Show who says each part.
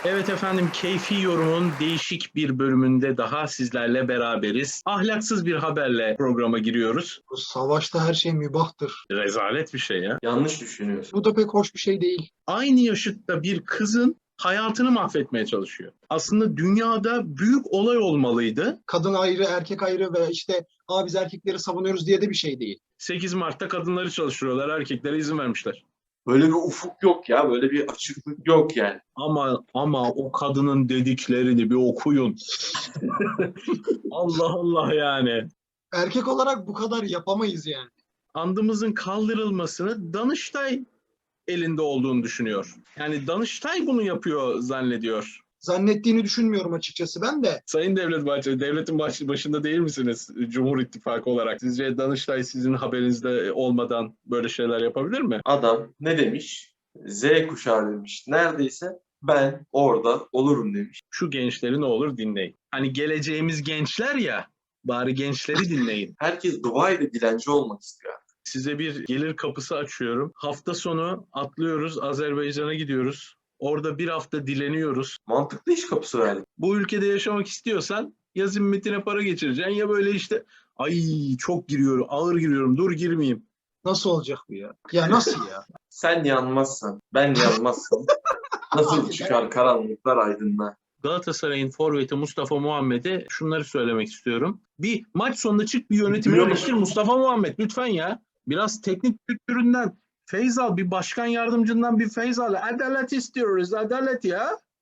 Speaker 1: Evet efendim, Keyfi Yorum'un değişik bir bölümünde daha sizlerle beraberiz. Ahlaksız bir haberle programa giriyoruz.
Speaker 2: Bu savaşta her şey mübahtır.
Speaker 1: Rezalet bir şey ya.
Speaker 3: Yanlış düşünüyorsun.
Speaker 2: Bu da pek hoş bir şey değil.
Speaker 1: Aynı yaşıtta bir kızın hayatını mahvetmeye çalışıyor. Aslında dünyada büyük olay olmalıydı.
Speaker 2: Kadın ayrı, erkek ayrı ve işte biz erkekleri savunuyoruz diye de bir şey değil.
Speaker 1: 8 Mart'ta kadınları çalıştırıyorlar, erkeklere izin vermişler.
Speaker 3: Böyle bir ufuk yok ya. Böyle bir açıklık yok yani.
Speaker 1: Ama o kadının dediklerini bir okuyun. Allah Allah yani.
Speaker 2: Erkek olarak bu kadar yapamayız yani.
Speaker 1: Andımızın kaldırılmasını Danıştay elinde olduğunu düşünüyor. Yani Danıştay bunu yapıyor zannediyor.
Speaker 2: Zannettiğini düşünmüyorum açıkçası ben de.
Speaker 1: Sayın Devlet Bahçeli, devletin başında değil misiniz Cumhur İttifakı olarak? Sizce Danıştay sizin haberinizde olmadan böyle şeyler yapabilir mi?
Speaker 3: Adam ne demiş? Z kuşağı demiş. Neredeyse ben orada olurum demiş.
Speaker 1: Şu gençleri ne olur dinleyin. Hani geleceğimiz gençler ya, bari gençleri dinleyin.
Speaker 3: Herkes Dubai'de dilenci olmak istiyor.
Speaker 1: Size bir gelir kapısı açıyorum. Hafta sonu atlıyoruz, Azerbaycan'a gidiyoruz. Orada bir hafta dileniyoruz.
Speaker 3: Mantıklı iş kapısı verdik.
Speaker 1: Bu ülkede yaşamak istiyorsan ya zimmetine para geçireceksin ya böyle işte ay çok giriyorum, ağır giriyorum, dur girmeyeyim.
Speaker 2: Nasıl olacak bu ya? Ya nasıl ya?
Speaker 3: Sen yanmazsan, ben yanmazsam nasıl çıkar karanlıklar aydınlığa?
Speaker 1: Galatasaray'ın forveti Mustafa Muhammed'e şunları söylemek istiyorum. Bir maç sonunda çık bir yönetimi
Speaker 3: Duyuyor
Speaker 1: eleştir Mustafa Muhammed lütfen ya. Biraz teknik kültüründen feyz al, bir başkan yardımcından bir feyz al. Adalet istiyoruz, adalet ya.